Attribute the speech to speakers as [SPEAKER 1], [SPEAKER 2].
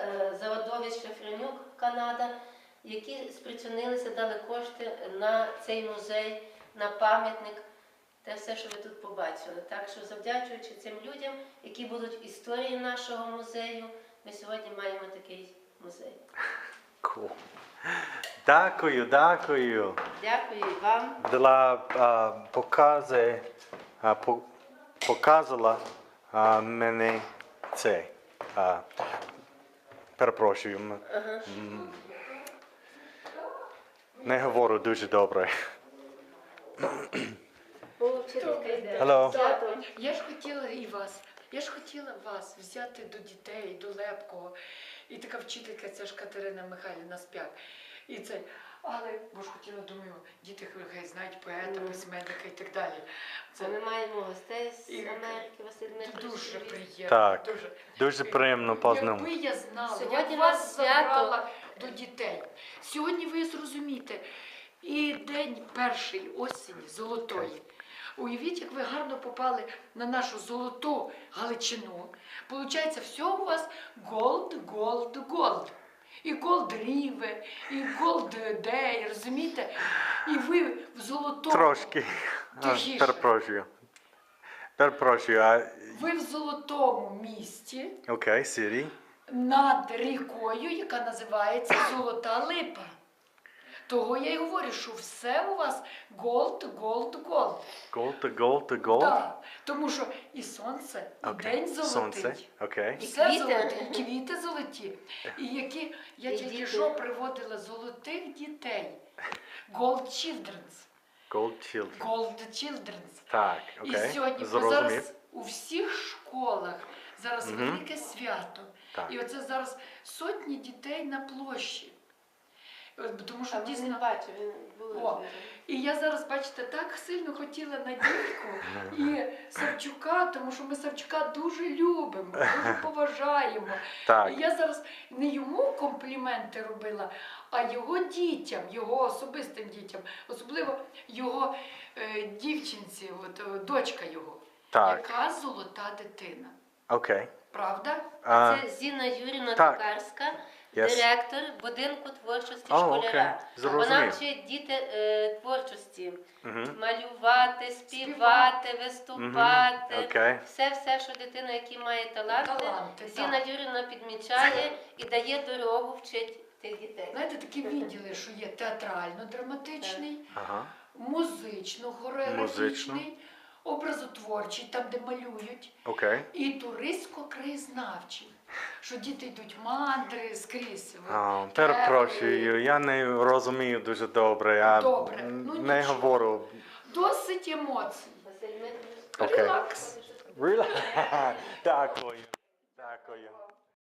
[SPEAKER 1] Заводові Шафренюк, Канада, які спричинилися, дали кошти на цей музей, на пам'ятник, те все, що ви тут побачили. Так що, завдячуючи цим людям, які будуть історії нашого музею, ми сьогодні маємо такий музей.
[SPEAKER 2] Cool. Дякую, дякую.
[SPEAKER 1] Дякую і вам.
[SPEAKER 2] Показала мені це. Перепрошую. Не говорю дуже добре. Hello.
[SPEAKER 3] Я ж хотіла вас взяти до дітей, до Лепкого. І така вчителька, це ж Катерина Михайлівна Спяк. І це, але, бо ж хотіла, думаю, діти хай знають поета, письменника і так далі.
[SPEAKER 1] Це ми маємо гостей з Америки, Василь Дмитрович.
[SPEAKER 3] Дуже приємно.
[SPEAKER 2] Так, дуже приємно
[SPEAKER 3] Якби я знала,
[SPEAKER 1] Сьогодні
[SPEAKER 3] я
[SPEAKER 1] нас
[SPEAKER 3] вас
[SPEAKER 1] свято.
[SPEAKER 3] забрала до дітей. Сьогодні ви зрозумієте, і день першої осені, золотої. Уявіть, як ви гарно попали на нашу золоту Галичину. Получається, все у вас голд. І Голд Ріве, і Голд Дей, розумієте? І ви в золотому...
[SPEAKER 2] Трошки.
[SPEAKER 3] Тихіше.
[SPEAKER 2] Перепрошую.
[SPEAKER 3] Ви в золотому місті
[SPEAKER 2] Окей, Сірі.
[SPEAKER 3] над рікою, яка називається Золота Липа. Того я й говорю, що все у вас голд.
[SPEAKER 2] Gold.
[SPEAKER 3] Так, тому що і сонце, і день золотий.
[SPEAKER 2] Сонце, окей.
[SPEAKER 3] Все
[SPEAKER 1] квіти.
[SPEAKER 3] золоте, і квіти золоті. І які я
[SPEAKER 1] І
[SPEAKER 3] тільки
[SPEAKER 1] діти.
[SPEAKER 3] що приводила золотих дітей. Gold Children's.
[SPEAKER 2] Gold Children.
[SPEAKER 3] Children's.
[SPEAKER 2] Так,
[SPEAKER 3] І
[SPEAKER 2] окей.
[SPEAKER 3] сьогодні, бо
[SPEAKER 2] Зрозумів.
[SPEAKER 3] зараз у всіх школах зараз велике свято.
[SPEAKER 2] Так.
[SPEAKER 3] І оце зараз сотні дітей на площі. Тому що
[SPEAKER 1] А він
[SPEAKER 3] дійсно...
[SPEAKER 1] не бачив, він був.
[SPEAKER 3] О, і я зараз, бачите, так сильно хотіла Надійку і Савчука, тому що ми Савчука дуже любимо, дуже поважаємо.
[SPEAKER 2] Так.
[SPEAKER 3] І я зараз не йому компліменти робила, а його дітям, його особистим дітям, особливо його дівчинці, дочка його,
[SPEAKER 2] Так.
[SPEAKER 3] яка золота дитина.
[SPEAKER 2] Окей.
[SPEAKER 3] Правда?
[SPEAKER 1] Це Зіна Юрівна
[SPEAKER 2] так.
[SPEAKER 1] Токарська,
[SPEAKER 2] Yes.
[SPEAKER 1] директор будинку творчості
[SPEAKER 2] О,
[SPEAKER 1] школяра.
[SPEAKER 2] окей. Зрозумів.
[SPEAKER 1] Вона вчить діти творчості. Малювати, співати, виступати.
[SPEAKER 2] Окей.
[SPEAKER 1] Все, що дитина, яка має таланти,
[SPEAKER 3] Таланти,
[SPEAKER 1] Зіна
[SPEAKER 3] так.
[SPEAKER 1] Юрівна підмічає і дає дорогу, вчить тих дітей.
[SPEAKER 3] Знаєте, такі відділи, що є театрально-драматичний,
[SPEAKER 2] Ага.
[SPEAKER 3] музично-хореографічний, образотворчий, там, де малюють,
[SPEAKER 2] Окей.
[SPEAKER 3] і туристсько-краєзнавчий, що діти йдуть мандри скрізь.
[SPEAKER 2] Перепрошую, я не розумію дуже добре. Я
[SPEAKER 3] Добре, ну,
[SPEAKER 2] не
[SPEAKER 3] нічого.
[SPEAKER 2] говорю.
[SPEAKER 3] Досить емоцій.
[SPEAKER 1] Василь Дмитрович.
[SPEAKER 2] Окей.
[SPEAKER 3] Релакс.
[SPEAKER 2] Дякую.